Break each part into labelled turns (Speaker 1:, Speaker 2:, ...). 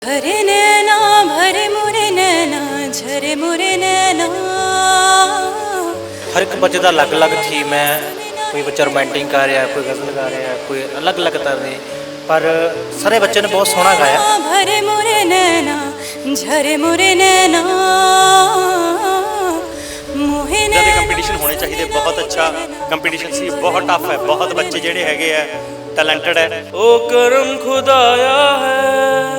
Speaker 1: भरे नैना भरे मोरे नैना झरे मोरे नैना।
Speaker 2: हर एक बच्चे का अलग अलग थीम है। कोई बच्चा रोमांटिक गा रहा है, कोई गज़ल गा रहा है, कोई अलग अलग तरह के, पर सारे बच्चे ने बहुत सोहना गाया।
Speaker 1: भरे मोरे नैना झरे मोरे नैना।
Speaker 3: कंपीटिशन होने चाहिए, बहुत अच्छा कंपीटिशन सी, बहुत टफ है, बहुत बच्चे जेडे हैगे है टैलेंटेड है। ओ करम खुदाया है।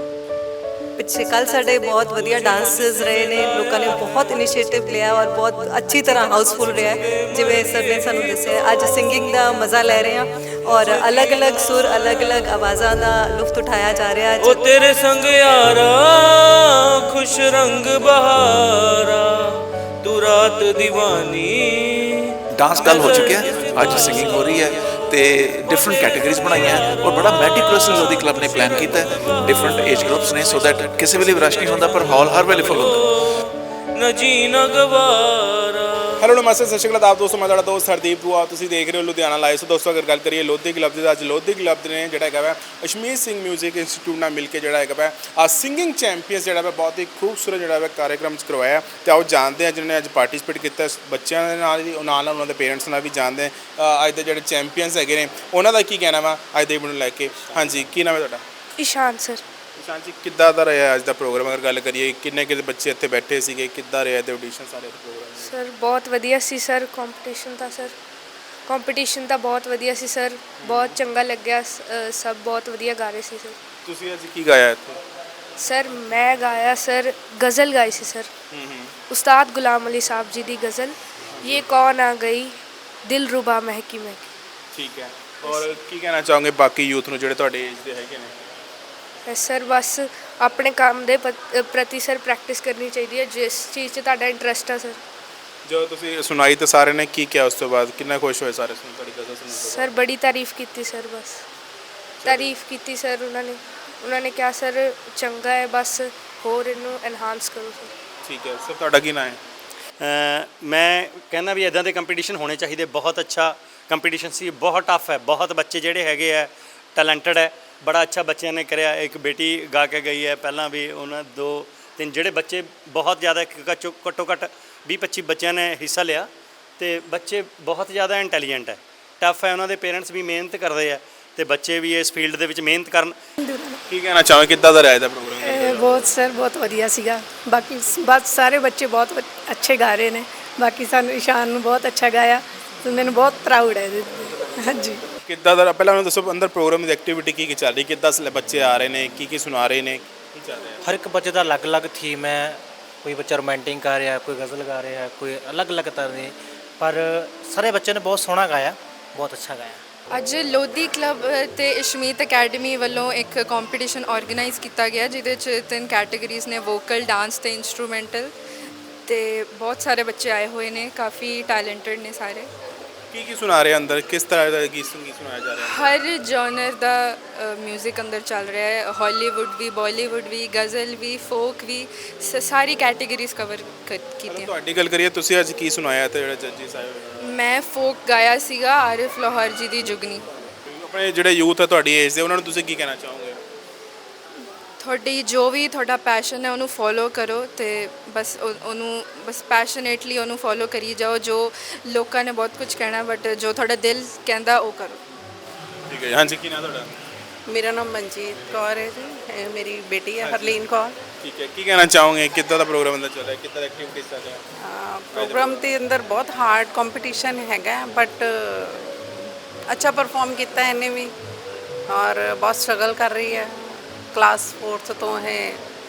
Speaker 4: ਪਿੱਛੇ ਕੱਲ ਸਾਡੇ ਬਹੁਤ ਵਧੀਆ ਡਾਂਸਰਸ ਰਹੇ ਨੇ, ਲੋਕਾਂ ਨੇ ਬਹੁਤ ਇਨੀਸ਼ੀਏਟਿਵ ਲਿਆ ਔਰ ਬਹੁਤ ਅੱਛੀ ਤਰ੍ਹਾਂ ਹਾਊਸਫੁੱਲ ਰਿਹਾ ਜਿਵੇਂ ਸਰ ਨੇ ਸਾਨੂੰ ਦੱਸਿਆ। ਅੱਜ ਸਿੰਗਿੰਗ ਦਾ ਮਜ਼ਾ ਲੈ ਰਹੇ ਹਾਂ ਔਰ ਅਲੱਗ-ਅਲੱਗ ਸੁਰ ਅਲੱਗ-ਅਲੱਗ ਆਵਾਜ਼ਾਂ ਦਾ ਲੁਤਫ ਉਠਾਇਆ ਜਾ ਰਿਹਾ ਅੱਜ।
Speaker 3: ਉਹ ਤੇਰੇ ਸੰਗ ਯਾਰਾ ਖੁਸ਼ ਰੰਗ ਬਹਾਰਾ ਤੂੰ ਰਾਤ ਦੀਵਾਨੀ।
Speaker 5: डांस कल हो चुके हैं, आज सिंगिंग हो रही है तो डिफरेंट कैटेगरीज बनाई हैं और बड़ा मैटिकुलसली लोधी क्लब ने प्लान किया है डिफरेंट एज ग्रुप्स ने सो दैट किसी वे रश नहीं होंदा पर हॉल हर वेले फुल होंदा।
Speaker 3: न जीना गवारा।
Speaker 6: ਹੈਲੋ ਨਮਸਤੇ ਸਤਿ ਸ਼੍ਰੀ ਅਕਾਲ ਆਪ ਦੋਸਤੋ, ਮੈਂ ਤੁਹਾਡਾ ਦੋਸਤ ਹਰਦੀਪ ਦੂਆ। ਤੁਸੀਂ ਦੇਖ ਰਹੇ ਹੋ ਲੁਧਿਆਣਾ ਲਾਈਵ। ਸੋ ਦੋਸਤੋ ਅਗਰ ਗੱਲ ਕਰੀਏ ਲੋਧੀ ਕਲੱਬ ਦੀ, ਅੱਜ ਲੋਧੀ ਕਲੱਬ ਨੇ ਜਿਹੜਾ ਹੈਗਾ ਵਾ ਅਸ਼ਮੀਤ ਸਿੰਘ ਮਿਊਜ਼ਿਕ ਇੰਸਟੀਚਿਊਟ ਨਾਲ ਮਿਲ ਕੇ ਜਿਹੜਾ ਹੈਗਾ ਵਾ ਸਿੰਗਿੰਗ ਚੈਂਪੀਅਨਸ ਜਿਹੜਾ ਵਾ ਬਹੁਤ ਹੀ ਖੂਬਸੂਰਤ ਜਿਹੜਾ ਵਾ ਕਾਰਿਆਕ੍ਰਮ ਕਰਵਾਇਆ। ਤੇ ਆਓ ਜਾਣਦੇ ਹਾਂ ਜਿਹਨਾਂ ਨੇ ਅੱਜ ਪਾਰਟਿਸਿਪੇਟ ਕੀਤਾ, ਬੱਚਿਆਂ ਦੇ ਨਾਲ ਵੀ ਨਾਲ ਉਹਨਾਂ ਦੇ ਪੇਰੈਂਟਸ ਨਾਲ ਵੀ ਜਾਣਦੇ ਅੱਜ ਦੇ ਜਿਹੜੇ ਚੈਂਪੀਅਨਸ ਹੈਗੇ ਨੇ ਉਹਨਾਂ ਦਾ ਕੀ ਕਹਿਣਾ ਵਾ ਅੱਜ ਦੇ ਇਵੈਂਟ ਨੂੰ ਲੈ ਕੇ। ਹਾਂਜੀ, ਕੀ ਨਾਮ ਹੈ ਤੁਹਾਡਾ?
Speaker 7: ਇਸ਼ਾਨ ਸਰ।
Speaker 6: ਇਸ਼ਾਨ ਜੀ, ਕਿੱਦਾਂ ਦਾ ਰਿਹਾ ਅੱਜ ਦਾ ਪ੍ਰੋਗਰਾਮ? ਅਗਰ ਗੱਲ ਕਰੀਏ ਕਿੰਨੇ ਕਿਤੇ ਬੱਚੇ ਇੱਥੇ ਬੈਠੇ ਸੀਗੇ, ਕਿੱਦਾਂ ਰਿਹਾ ਤੇ ਆਡੀਸ਼ਨ ਸਾਰੇ ਪ੍ਰੋਗਰਾਮ?
Speaker 7: ਸਰ ਬਹੁਤ ਵਧੀਆ ਸੀ ਸਰ। ਕੰਪੀਟੀਸ਼ਨ ਤਾਂ ਬਹੁਤ ਵਧੀਆ ਸੀ ਸਰ, ਬਹੁਤ ਚੰਗਾ ਲੱਗਿਆ। ਸਭ ਬਹੁਤ ਵਧੀਆ ਗਾ ਰਹੇ ਸੀ ਸਰ।
Speaker 6: ਤੁਸੀਂ ਅੱਜ ਕੀ ਗਾਇਆ ਇੱਥੇ?
Speaker 7: ਸਰ ਮੈਂ ਗਾਇਆ ਸਰ ਗਜ਼ਲ ਗਾਈ ਸੀ ਸਰ, ਉਸਤਾਦ ਗੁਲਾਮ ਅਲੀ ਸਾਹਿਬ ਜੀ ਦੀ ਗਜ਼ਲ, ਇਹ ਕੌਣ ਆ ਗਈ ਦਿਲ ਰੁਬਾ ਮਹਿਕੀ ਮਹਿਕੀ।
Speaker 6: ਠੀਕ ਹੈ, ਔਰ ਕੀ ਕਹਿਣਾ ਚਾਹੋਗੇ ਬਾਕੀ ਯੂਥ ਨੂੰ ਜਿਹੜੇ ਤੁਹਾਡੇ ਏਜ ਦੇ ਹੈਗੇ ਨੇ?
Speaker 7: ਸਰ ਬਸ ਆਪਣੇ ਕੰਮ ਦੇ ਪ੍ਰਤੀ ਸਰ ਪ੍ਰੈਕਟਿਸ ਕਰਨੀ ਚਾਹੀਦੀ ਹੈ, ਜਿਸ ਚੀਜ਼ 'ਚ ਤੁਹਾਡਾ ਇੰਟਰਸਟ ਆ ਸਰ।
Speaker 6: ਜਦੋਂ ਤੁਸੀਂ ਸੁਣਾਈ ਤਾਂ ਸਾਰੇ ਨੇ ਕੀ ਕਿਹਾ ਉਸ ਤੋਂ ਬਾਅਦ? ਕਿੰਨਾ ਖੁਸ਼ ਹੋਏ ਸਾਰੇ ਸੁਣ ਤੁਹਾਡੀ ਗਜ਼ਲ ਸੁਣ ਕੇ?
Speaker 7: ਸਰ ਬੜੀ ਤਾਰੀਫ ਕੀਤੀ ਸਰ, ਬਸ ਤਾਰੀਫ ਕੀਤੀ ਸਰ। ਉਹਨਾਂ ਨੇ ਕਿਹਾ ਸਰ ਚੰਗਾ ਹੈ, ਬਸ ਹੋਰ ਇਹਨੂੰ ਐਨਹਾਂਸ ਕਰੋ ਸਰ।
Speaker 6: ਠੀਕ ਹੈ ਸਰ, ਤੁਹਾਡਾ ਕੀ ਨਾਮ ਹੈ?
Speaker 3: ਮੈਂ ਕਹਿੰਦਾ ਵੀ ਇਦਾਂ ਦੇ ਕੰਪੀਟੀਸ਼ਨ ਹੋਣੇ ਚਾਹੀਦੇ, ਬਹੁਤ ਅੱਛਾ ਕੰਪੀਟੀਸ਼ਨ ਸੀ, ਬਹੁਤ ਟਫ ਹੈ, ਬਹੁਤ ਬੱਚੇ ਜਿਹੜੇ ਹੈਗੇ ਆ ਟੈਲੈਂਟਡ ਹੈ, ਬੜਾ ਅੱਛਾ ਬੱਚਿਆਂ ਨੇ ਕਰਿਆ। ਇੱਕ ਬੇਟੀ ਗਾ ਕੇ ਗਈ ਹੈ ਪਹਿਲਾਂ ਵੀ, ਉਹਨਾਂ 2-3 ਜਿਹੜੇ ਬੱਚੇ ਬਹੁਤ ਜ਼ਿਆਦਾ ਘੱਟੋ ਘੱਟ 20-25 ਬੱਚਿਆਂ ਨੇ ਹਿੱਸਾ ਲਿਆ ਤੇ ਬੱਚੇ ਬਹੁਤ ਜ਼ਿਆਦਾ ਇੰਟੈਲੀਜੈਂਟ ਹੈ, ਟਫ ਹੈ। ਉਹਨਾਂ ਦੇ ਪੇਰੈਂਟਸ ਵੀ ਮਿਹਨਤ ਕਰਦੇ ਆ ਤੇ ਬੱਚੇ ਵੀ ਇਸ ਫੀਲਡ ਦੇ ਵਿੱਚ ਮਿਹਨਤ ਕਰਨ।
Speaker 6: ਕੀ ਕਹਿਣਾ ਚਾਹੋਗੇ, ਕਿੱਦਾਂ ਦਾ ਰਿਹਾ ਇਹਦਾ ਪ੍ਰੋਗਰਾਮ?
Speaker 8: ਬਹੁਤ ਸਰ ਬਹੁਤ ਵਧੀਆ ਸੀਗਾ। ਬਾਕੀ ਬਸ ਸਾਰੇ ਬੱਚੇ ਬਹੁਤ ਅੱਛੇ ਗਾ ਰਹੇ ਨੇ। ਬਾਕੀ ਸਾਨੂੰ ਇਸ਼ਾਨ ਨੂੰ ਬਹੁਤ ਅੱਛਾ ਗਾਇਆ ਤੇ ਮੈਨੂੰ ਬਹੁਤ ਪ੍ਰਾਊਡ ਹੈ ਇਹਦੇ ਤੇ। ਹਾਂਜੀ,
Speaker 6: ਕਿੱਦਾਂ ਦਾ ਪਹਿਲਾਂ ਮੈਨੂੰ ਦੱਸੋ ਅੰਦਰ ਪ੍ਰੋਗਰਾਮ ਦੀ ਐਕਟੀਵਿਟੀ ਕੀ ਚੱਲ ਰਹੀ, ਕਿੱਦਾਂ ਬੱਚੇ ਆ ਰਹੇ ਨੇ, ਕੀ ਸੁਣਾ ਰਹੇ ਨੇ, ਕੀ ਚੱਲ ਰਿਹਾ?
Speaker 2: हर एक बच्चे का अलग अलग थीम है। कोई बच्चा रोमांटिक गा रहा है, कोई गज़ल गा रहा है, कोई अलग अलग तरह के, पर सारे बच्चे ने बहुत सोहना गाया, बहुत अच्छा गाया।
Speaker 9: ਅੱਜ ਲੋਧੀ ਕਲੱਬ ਤੇ ਅਸ਼ਮੀਤ ਅਕੈਡਮੀ ਵੱਲੋਂ ਇੱਕ ਕੰਪੀਟੀਸ਼ਨ ਆਰਗੇਨਾਈਜ਼ ਕੀਤਾ ਗਿਆ ਜਿਹਦੇ 'ਚ 3 ਕੈਟਾਗਰੀਜ਼ ਨੇ, ਵੋਕਲ, ਡਾਂਸ ਤੇ ਇੰਸਟਰੂਮੈਂਟਲ, ਤੇ ਬਹੁਤ ਸਾਰੇ ਬੱਚੇ ਆਏ ਹੋਏ ਨੇ, ਕਾਫੀ ਟੈਲੈਂਟਡ ਨੇ ਸਾਰੇ।
Speaker 6: ਕੀ ਸੁਣਾ ਰਹੇ ਅੰਦਰ, ਕਿਸ ਤਰ੍ਹਾਂ ਦਾ ਗੀਤ ਸੁਣਾਇਆ ਜਾ ਰਿਹਾ?
Speaker 9: ਹਰ ਜਨਰ ਦਾ ਮਿਊਜ਼ਿਕ ਅੰਦਰ ਚੱਲ ਰਿਹਾ ਹੈ, ਹਾਲੀਵੁੱਡ ਵੀ, ਬਾਲੀਵੁੱਡ ਵੀ, ਗਜ਼ਲ ਵੀ, ਫੋਕ ਵੀ, ਸਾਰੀ ਕੈਟਾਗਰੀਜ਼ ਕਵਰ ਕੀਤੀਆਂ।
Speaker 6: ਤੁਹਾਡੀ ਗੱਲ ਕਰੀਏ, ਤੁਸੀਂ ਅੱਜ ਕੀ ਸੁਣਾਇਆ ਤੇ ਜਿਹੜੇ ਜੱਜਿਸ ਆਏ ਹੋਏ?
Speaker 9: ਮੈਂ ਫੋਕ ਗਾਇਆ ਸੀਗਾ, ਆਰਿਫ ਲਾਹੌਰ ਜੀ ਦੀ ਜੁਗਨੀ।
Speaker 6: ਆਪਣੇ ਜਿਹੜੇ ਯੂਥ ਹੈ ਤੁਹਾਡੀ ਏਜ ਦੇ, ਉਹਨਾਂ ਨੂੰ ਤੁਸੀਂ ਕੀ ਕਹਿਣਾ ਚਾਹੋਗੇ?
Speaker 9: ਤੁਹਾਡੀ ਜੋ ਵੀ ਤੁਹਾਡਾ ਪੈਸ਼ਨ ਹੈ ਉਹਨੂੰ ਫੋਲੋ ਕਰੋ ਤੇ ਬਸ ਉਹਨੂੰ ਬਸ ਪੈਸ਼ਨੇਟਲੀ ਉਹਨੂੰ ਫੋਲੋ ਕਰੀ ਜਾਓ। ਜੋ ਲੋਕਾਂ ਨੇ ਬਹੁਤ ਕੁਝ ਕਹਿਣਾ, ਬਟ ਜੋ ਤੁਹਾਡਾ ਦਿਲ ਕਹਿੰਦਾ ਉਹ ਕਰੋ।
Speaker 6: ਠੀਕ ਹੈ, ਹਾਂਜੀ, ਕੀ ਨਾਮ ਤੁਹਾਡਾ?
Speaker 4: ਮੇਰਾ ਨਾਮ ਮਨਜੀਤ ਕੌਰ ਹੈ ਜੀ, ਇਹ ਮੇਰੀ ਬੇਟੀ ਹੈ ਹਰਲੀਨ ਕੌਰ।
Speaker 6: ਠੀਕ ਹੈ, ਕੀ ਕਹਿਣਾ ਚਾਹੋਗੇ, ਕਿੱਦਾਂ ਦਾ ਪ੍ਰੋਗਰਾਮ ਅੰਦਰ ਚੱਲ ਰਿਹਾ, ਕਿੱਦਾਂ ਦਾ ਐਕਟੀਵਿਟੀਜ਼ ਚੱਲ ਰਿਹਾ?
Speaker 4: ਪ੍ਰੋਗਰਾਮ ਦੇ ਅੰਦਰ ਬਹੁਤ ਹਾਰਡ ਕੰਪੀਟੀਸ਼ਨ ਹੈਗਾ, ਬਟ ਅੱਛਾ ਪਰਫਾਰਮ ਕੀਤਾ ਇਹਨੇ ਵੀ ਔਰ ਬਹੁਤ ਸਟਰਗਲ ਕਰ ਰਹੀ ਹੈ। ਕਲਾਸ 4th ਤੋਂ ਹੈ,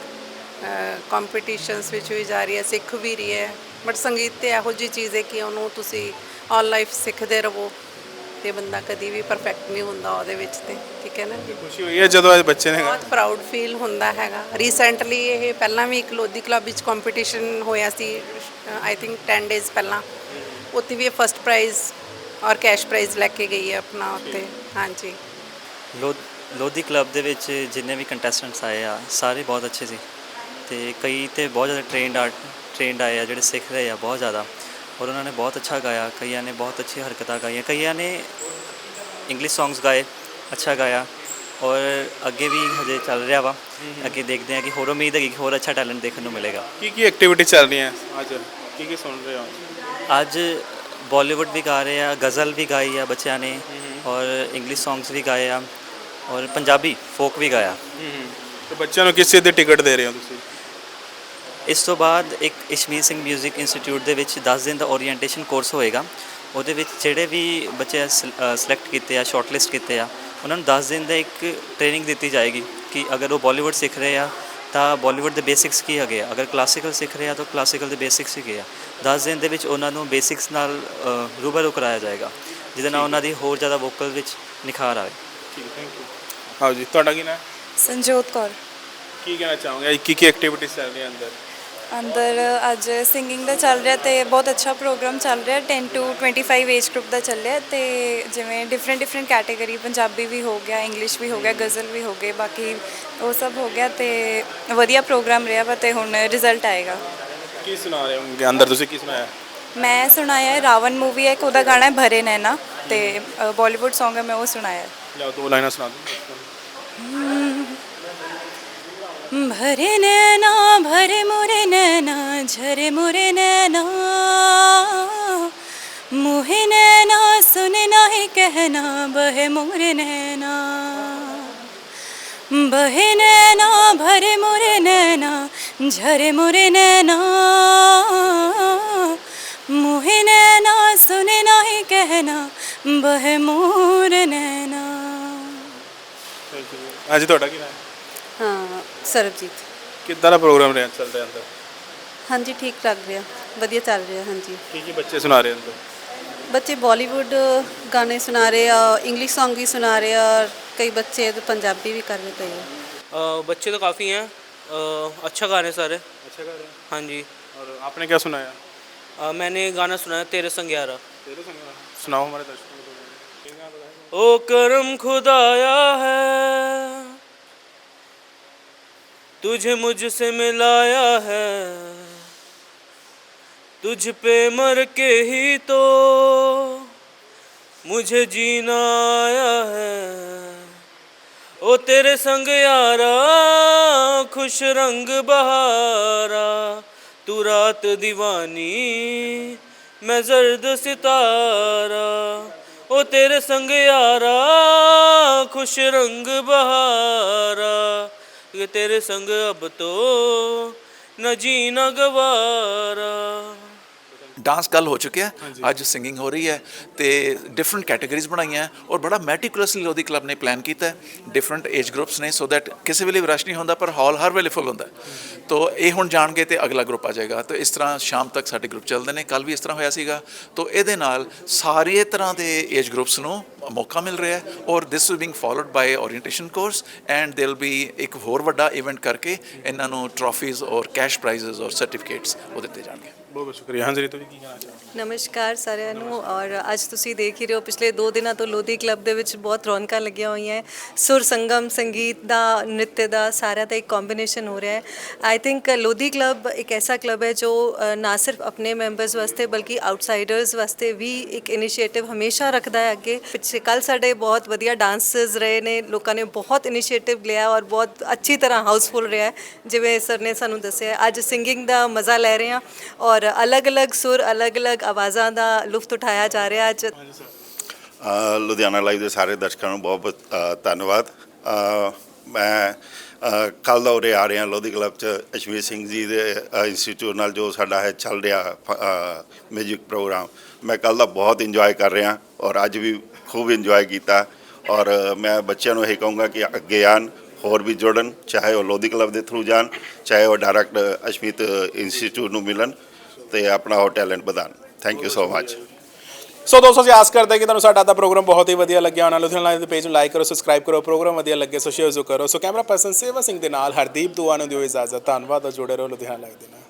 Speaker 4: ਕੰਪੀਟੀਸ਼ਨਸ ਵਿੱਚ ਵੀ ਜਾ ਰਹੀ ਹੈ, ਸਿੱਖ ਵੀ ਰਹੀ ਹੈ। ਬਟ ਸੰਗੀਤ ਤੇ ਇਹੋ ਜਿਹੀ ਚੀਜ਼ ਹੈ ਕਿ ਉਹਨੂੰ ਤੁਸੀਂ ਆਲ ਲਾਈਫ ਸਿੱਖਦੇ ਰਹੋ ਤੇ ਬੰਦਾ ਕਦੀ ਵੀ ਪਰਫੈਕਟ ਨਹੀਂ ਹੁੰਦਾ ਉਹਦੇ ਵਿੱਚ। ਤੇ ਠੀਕ ਹੈ ਨਾ ਜੀ,
Speaker 6: ਖੁਸ਼ੀ ਹੋਈ ਹੈ ਜਦੋਂ ਅੱਜ ਬੱਚੇ ਨੇ
Speaker 4: ਬਹੁਤ ਪ੍ਰਾਊਡ ਫੀਲ ਹੁੰਦਾ ਹੈਗਾ। ਰੀਸੈਂਟਲੀ ਇਹ ਪਹਿਲਾਂ ਵੀ ਇੱਕ ਲੋਧੀ ਕਲੱਬ ਵਿੱਚ ਕੰਪੀਟੀਸ਼ਨ ਹੋਇਆ ਸੀ, ਆਈ ਥਿੰਕ 10 ਡੇਜ਼ ਪਹਿਲਾਂ, ਉੱਥੇ ਵੀ ਇਹ ਫਸਟ ਪ੍ਰਾਈਜ਼ ਔਰ ਕੈਸ਼ ਪ੍ਰਾਈਜ਼ ਲੈ ਕੇ ਗਈ ਹੈ ਆਪਣਾ ਉੱਥੇ। ਹਾਂਜੀ,
Speaker 10: ਲੋਧੀ ਕਲੱਬ ਦੇ ਵਿੱਚ ਜਿੰਨੇ ਵੀ ਕੰਟੈਸਟੈਂਟਸ ਆਏ ਆ ਸਾਰੇ ਬਹੁਤ ਅੱਛੇ ਸੀ ਤੇ ਕਈ ਤੇ ਬਹੁਤ ਜ਼ਿਆਦਾ ਟ੍ਰੇਨਡ ਆਏ ਆ ਜਿਹੜੇ ਸਿੱਖ ਰਹੇ ਆ ਬਹੁਤ ਜ਼ਿਆਦਾ, ਔਰ ਉਹਨਾਂ ਨੇ ਬਹੁਤ ਅੱਛਾ ਗਾਇਆ। ਕਈਆਂ ਨੇ ਬਹੁਤ ਅੱਛੀ ਹਰਕਤਾਂ ਗਾਈਆਂ, ਕਈਆਂ ਨੇ ਇੰਗਲਿਸ਼ ਸੌਂਗਸ ਗਾਏ, ਅੱਛਾ ਗਾਇਆ। ਔਰ ਅੱਗੇ ਵੀ ਹਜੇ ਚੱਲ ਰਿਹਾ ਵਾ। ਅੱਗੇ ਦੇਖਦੇ ਹਾਂ ਕਿ ਹੋਰ ਉਮੀਦ ਹੈ ਕਿ ਹੋਰ ਅੱਛਾ ਟੈਲੈਂਟ ਦੇਖਣ ਨੂੰ ਮਿਲੇਗਾ।
Speaker 6: ਕੀ ਐਕਟੀਵਿਟੀ ਚੱਲ ਰਹੀਆਂ ਅੱਜ, ਕੀ ਸੁਣ ਰਹੇ ਹੋ?
Speaker 10: ਅੱਜ ਬਾਲੀਵੁੱਡ ਵੀ ਗਾ ਰਹੇ ਆ, ਗਜ਼ਲ ਵੀ ਗਾਈ ਆ ਬੱਚਿਆਂ ਨੇ, ਔਰ ਇੰਗਲਿਸ਼ ਸੌਂਗਸ ਵੀ ਗਾਏ ਆ, ਔਰ ਪੰਜਾਬੀ ਫੋਕ ਵੀ ਗਾਇਆ।
Speaker 6: ਤੇ ਬੱਚਿਆਂ ਨੂੰ ਕਿਸ ਚੀਜ਼ ਦੀ ਟਿਕਟ ਦੇ ਰਹੇ ਹੋ ਤੁਸੀਂ?
Speaker 10: ਇਸ ਤੋਂ ਬਾਅਦ ਇੱਕ ਇਸ਼ਮੀਤ ਸਿੰਘ ਮਿਊਜ਼ਿਕ ਇੰਸਟੀਚਿਊਟ ਦੇ ਵਿੱਚ 10 ਦਿਨ ਦਾ ਓਰੀਐਂਟੇਸ਼ਨ ਕੋਰਸ ਹੋਏਗਾ। ਉਹਦੇ ਵਿੱਚ ਜਿਹੜੇ ਵੀ ਬੱਚੇ ਸਿਲੈਕਟ ਕੀਤੇ ਆ, ਸ਼ਾਰਟਲਿਸਟ ਕੀਤੇ ਆ, ਉਹਨਾਂ ਨੂੰ 10 ਦਿਨ ਦਾ ਇੱਕ ਟ੍ਰੇਨਿੰਗ ਦਿੱਤੀ ਜਾਏਗੀ ਕਿ ਅਗਰ ਉਹ ਬਾਲੀਵੁੱਡ ਸਿੱਖ ਰਹੇ ਆ ਤਾਂ ਬਾਲੀਵੁੱਡ ਦੇ ਬੇਸਿਕਸ ਕੀ ਹੈਗੇ ਆ, ਅਗਰ ਕਲਾਸੀਕਲ ਸਿੱਖ ਰਹੇ ਆ ਤਾਂ ਕਲਾਸੀਕਲ ਦੇ ਬੇਸਿਕਸ ਹੈਗੇ ਆ। 10 ਦਿਨ ਦੇ ਵਿੱਚ ਉਹਨਾਂ ਨੂੰ ਬੇਸਿਕਸ ਨਾਲ ਰੂਬਰੂ ਕਰਾਇਆ ਜਾਏਗਾ, ਜਿਹਦੇ ਨਾਲ ਉਹਨਾਂ ਦੀ ਹੋਰ ਜ਼ਿਆਦਾ ਵੋਕਲ ਵਿੱਚ ਨਿਖਾਰ ਆਵੇ।
Speaker 6: ਠੀਕ, ਥੈਂਕ ਯੂ। ਹਾਂ ਜੀ, ਤੁਹਾਡਾ ਕੀ ਨਾਮ ਹੈ?
Speaker 1: ਸੰਜੋਤ ਕੌਰ।
Speaker 6: ਕੀ ਕਹਿਣਾ ਚਾਹੋਗੇ? ਕੀ ਐਕਟੀਵਿਟੀਜ਼ ਚੱਲ ਰਹੀਆਂ
Speaker 1: ਅੰਦਰ ਅੱਜ ਸਿੰਗਿੰਗ ਦਾ ਚੱਲ ਰਿਹਾ ਤੇ ਬਹੁਤ ਅੱਛਾ ਪ੍ਰੋਗਰਾਮ ਚੱਲ ਰਿਹਾ। 10 to 25 ਏਜ ਗਰੁੱਪ ਦਾ ਚੱਲਿਆ ਤੇ ਜਿਵੇਂ ਡਿਫਰੈਂਟ ਕੈਟਾਗਰੀ, ਪੰਜਾਬੀ ਵੀ ਹੋ ਗਿਆ, ਇੰਗਲਿਸ਼ ਵੀ ਹੋ ਗਿਆ, ਗਜ਼ਲ ਵੀ ਹੋ ਗਏ, ਬਾਕੀ ਉਹ ਸਭ ਹੋ ਗਿਆ ਤੇ ਵਧੀਆ ਪ੍ਰੋਗਰਾਮ ਰਿਹਾ ਵਾ ਤੇ ਹੁਣ ਰਿਜ਼ਲਟ ਆਏਗਾ।
Speaker 6: ਕੀ ਸੁਣਾ ਰਹੇ ਹੋ ਅੰਦਰ? ਤੁਸੀਂ ਕੀ ਸੁਣਾਇਆ?
Speaker 1: ਮੈਂ ਸੁਣਾਇਆ ਹੈ ਰਾਵਣ ਮੂਵੀ ਹੈ, ਇੱਕ ਉਹਦਾ ਗਾਣਾ ਹੈ ਭਰੇ ਨੈਣਾ ਤੇ ਬਾਲੀਵੁੱਡ ਸੌਂਗ ਹੈ, ਮੈਂ ਉਹ ਸੁਣਾਇਆ।
Speaker 6: ਲਿਆਓ 2 ਲਾਈਨਾਂ ਸੁਣਾ ਦਿਓ।
Speaker 1: भरे नैना भरे मोरे नैना झरे मोरे नैना मुहे नैना सुने नाही कहना बहे मोरे नैना बहे नैना भरे मोरे नैना झरे मोरे नैना मुहे नैना सुने नाही कहना बहे मोरे नैना।
Speaker 6: ਹਾਂਜੀ, ਤੁਹਾਡਾ ਕੀ ਨਾਮ ਹੈ?
Speaker 4: ਹਾਂ, ਸਰਬਜੀਤ।
Speaker 6: ਕਿੱਦਾਂ ਦਾ ਪ੍ਰੋਗਰਾਮ ਰਿਹਾ ਚੱਲ ਰਿਹਾ ਅੰਦਰ?
Speaker 4: ਹਾਂਜੀ, ਠੀਕ ਲੱਗ ਰਿਹਾ, ਵਧੀਆ ਚੱਲ ਰਿਹਾ। ਹਾਂਜੀ,
Speaker 6: ਕੀ ਬੱਚੇ ਸੁਣਾ ਰਹੇ ਅੰਦਰ?
Speaker 4: ਬੱਚੇ ਬਾਲੀਵੁੱਡ ਗਾਣੇ ਸੁਣਾ ਰਹੇ ਆ, ਇੰग्लिश सॉन्ग भी सुना रहे हैं और कई बच्चे तो पंजाबी भी कर रहे हैं।
Speaker 11: बच्चे तो काफ़ी हैं, अच्छा गा रहे हैं सारे।
Speaker 6: अच्छा गा रहे हैं?
Speaker 11: हाँ जी।
Speaker 6: और आपने क्या सुनाया?
Speaker 11: मैंने गाना सुनाया तेरे संग यारा।
Speaker 6: तेरे संग यारा सुनाओ हमारे दर्शकों को।
Speaker 11: ओ करम खुदाया है तुझे मुझसे मिलाया है, तुझ पे मर के ही तो मुझे जीना आया है। ओ तेरे संग यारा खुश रंग बहारा, तू रात दीवानी मैं जर्द सितारा। ओ तेरे संग यारा खुश रंग बहारा, ये तेरे संग अब तो न जीना गवारा।
Speaker 5: ਡਾਂਸ ਕੱਲ ਹੋ ਚੁੱਕਿਆ, ਅੱਜ ਸਿੰਗਿੰਗ ਹੋ ਰਹੀ ਹੈ ਤੇ ਡਿਫਰੈਂਟ ਕੈਟਾਗਰੀਜ਼ ਬਣਾਈਆਂ ਔਰ ਬੜਾ ਮੈਟੀਕੂਲਸਲੀ ਲੋਧੀ ਕਲੱਬ ਨੇ ਪਲਾਨ ਕੀਤਾ। ਡਿਫਰੈਂਟ ਏਜ ਗਰੁੱਪਸ ਨੇ ਸੋ ਦੈਟ ਕਿਸੇ ਵੇਲੇ ਵੀ ਰਸ਼ ਨਹੀਂ ਹੁੰਦਾ ਪਰ ਹਾਲ ਹਰ ਵੇਲੇ ਫੁੱਲ ਹੁੰਦਾ। ਤੋ ਇਹ ਹੁਣ ਜਾਣਗੇ ਤੇ ਅਗਲਾ ਗਰੁੱਪ ਆ ਜਾਏਗਾ। ਤੋ ਇਸ ਤਰ੍ਹਾਂ ਸ਼ਾਮ ਤੱਕ ਸਾਡੇ ਗਰੁੱਪ ਚੱਲਦੇ ਨੇ। ਕੱਲ ਵੀ ਇਸ ਤਰ੍ਹਾਂ ਹੋਇਆ ਸੀਗਾ। ਤੋ ਇਹਦੇ ਨਾਲ ਸਾਰੇ ਤਰ੍ਹਾਂ ਦੇ ਏਜ ਗਰੁੱਪਸ ਨੂੰ ਮੌਕਾ ਮਿਲ ਰਿਹਾ ਔਰ this is being followed by orientation course and they will be ਇੱਕ ਹੋਰ ਵੱਡਾ ਇਵੈਂਟ ਕਰਕੇ ਇਹਨਾਂ ਨੂੰ ਟਰੋਫੀਜ਼ ਔਰ ਕੈਸ਼ ਪ੍ਰਾਈਜ਼ਸ ਔਰ ਸਰਟੀਫਿਕੇਟਸ ਉਹ ਦਿੱਤੇ ਜਾਣਗੇ।
Speaker 6: ਬਹੁਤ ਬਹੁਤ ਸ਼ੁਕਰੀਆ। ਹਾਂਜੀ, ਤੁਸੀਂ ਕੀ ਕਹਿਣਾ ਚਾਹੋਗੇ?
Speaker 4: ਨਮਸਕਾਰ ਸਾਰਿਆਂ ਨੂੰ। ਔਰ ਅੱਜ ਤੁਸੀਂ ਦੇਖ ਹੀ ਰਹੇ ਹੋ ਪਿਛਲੇ 2 ਦਿਨਾਂ ਤੋਂ ਲੋਧੀ ਕਲੱਬ ਦੇ ਵਿੱਚ ਬਹੁਤ ਰੌਣਕਾਂ ਲੱਗੀਆਂ ਹੋਈਆਂ। ਸੁਰ ਸੰਗਮ, ਸੰਗੀਤ ਦਾ, ਨ੍ਰਿਤ ਦਾ, ਸਾਰਿਆਂ ਦਾ ਇੱਕ ਕੰਬੀਨੇਸ਼ਨ ਹੋ ਰਿਹਾ ਹੈ। ਆਈ ਥਿੰਕ ਲੋਧੀ ਕਲੱਬ ਇੱਕ ਐਸਾ ਕਲੱਬ ਹੈ ਜੋ ਨਾ ਸਿਰਫ ਆਪਣੇ ਮੈਂਬਰਸ ਵਾਸਤੇ ਬਲਕਿ ਆਊਟਸਾਈਡਰਸ ਵਾਸਤੇ ਵੀ ਇੱਕ ਇਨੀਸ਼ੀਏਟਿਵ ਹਮੇਸ਼ਾ ਰੱਖਦਾ ਹੈ ਅੱਗੇ ਪਿੱਛੇ। ਕੱਲ ਸਾਡੇ ਬਹੁਤ ਵਧੀਆ ਡਾਂਸਰਸ ਰਹੇ ਨੇ, ਲੋਕਾਂ ਨੇ ਬਹੁਤ ਇਨੀਸ਼ੀਏਟਿਵ ਲਿਆ ਔਰ ਬਹੁਤ ਅੱਛੀ ਤਰ੍ਹਾਂ ਹਾਊਸਫੁੱਲ ਰਿਹਾ। ਜਿਵੇਂ ਸਰ ਨੇ ਸਾਨੂੰ ਦੱਸਿਆ, ਅੱਜ ਸਿੰਗਿੰਗ ਦਾ ਮਜ਼ਾ ਲੈ ਰਹੇ ਹਾਂ ਔਰ ਅਲੱਗ-ਅਲੱਗ ਸੁਰ, ਅਲੱਗ-ਅਲੱਗ ਆਵਾਜ਼ਾਂ ਦਾ ਲੁਤਫ ਉਠਾਇਆ ਜਾ ਰਿਹਾ ਅੱਜ।
Speaker 12: ਲੁਧਿਆਣਾ ਲਾਈਵ ਦੇ ਸਾਰੇ ਦਰਸ਼ਕਾਂ ਨੂੰ ਬਹੁਤ ਧੰਨਵਾਦ। ਮੈਂ ਕੱਲ੍ਹ ਦਾ ਉਰੇ ਆ ਰਿਹਾ ਲੋਧੀ ਕਲੱਬ 'ਚ ਅਸ਼ਮੀਤ ਸਿੰਘ ਜੀ ਦੇ ਇੰਸਟੀਚਿਊਟ ਨਾਲ ਜੋ ਸਾਡਾ ਹੈ ਚੱਲ ਰਿਹਾ ਮਿਊਜ਼ਿਕ ਪ੍ਰੋਗਰਾਮ। ਮੈਂ ਕੱਲ੍ਹ ਦਾ ਬਹੁਤ ਇੰਜੋਏ ਕਰ ਰਿਹਾ ਔਰ ਅੱਜ ਵੀ ਖੂਬ ਇੰਜੋਏ ਕੀਤਾ ਔਰ ਮੈਂ ਬੱਚਿਆਂ ਨੂੰ ਇਹ ਕਹੂੰਗਾ ਕਿ ਅੱਗੇ ਆਉਣ, ਹੋਰ ਵੀ ਜੁੜਨ, ਚਾਹੇ ਉਹ ਲੋਧੀ ਕਲੱਬ ਦੇ ਥਰੂ ਜਾਣ, ਚਾਹੇ ਉਹ ਡਾਇਰੈਕਟ ਅਸ਼ਮੀਤ ਇੰਸਟੀਚਿਊਟ ਨੂੰ ਮਿਲਣ ਤੇ ਆਪਣਾ ਉਹ ਟੈਲੈਂਟ ਵਧਾਉਣ। Thank you so much.
Speaker 6: So ਦੋਸਤੋ, ਅਸੀਂ ਆਸ ਕਰਦੇ ਕਿ ਤੁਹਾਨੂੰ ਸਾਡਾ ਦਾ ਪ੍ਰੋਗਰਾਮ ਬਹੁਤ ਹੀ ਵਧੀਆ ਲੱਗਿਆ ਹੋਣਾ। ਲੁਧਿਆਣਾ ਲਾਈਵ ਦੇ ਪੇਜ ਨੂੰ ਲਾਈਕ ਕਰੋ, ਸਬਸਕ੍ਰਾਈਬ ਕਰੋ, ਪ੍ਰੋਗਰਾਮ ਵਧੀਆ ਲੱਗੇ ਸੋ ਸ਼ੇਅਰ ਜ਼ਰੂਰ ਕਰੋ। ਸੋ ਕੈਮਰਾ ਪਰਸਨ ਸੇਵਾ ਸਿੰਘ ਦੇ ਨਾਲ ਹਰਦੀਪ ਦੁਆ ਨੂੰ ਦਿਓ ਇਜਾਜ਼ਤ। ਧੰਨਵਾਦ ਔਰ ਜੁੜੇ ਰਹੋ ਲੁਧਿਆਣਾ ਲਾਈਵ ਦੇ ਨਾਲ।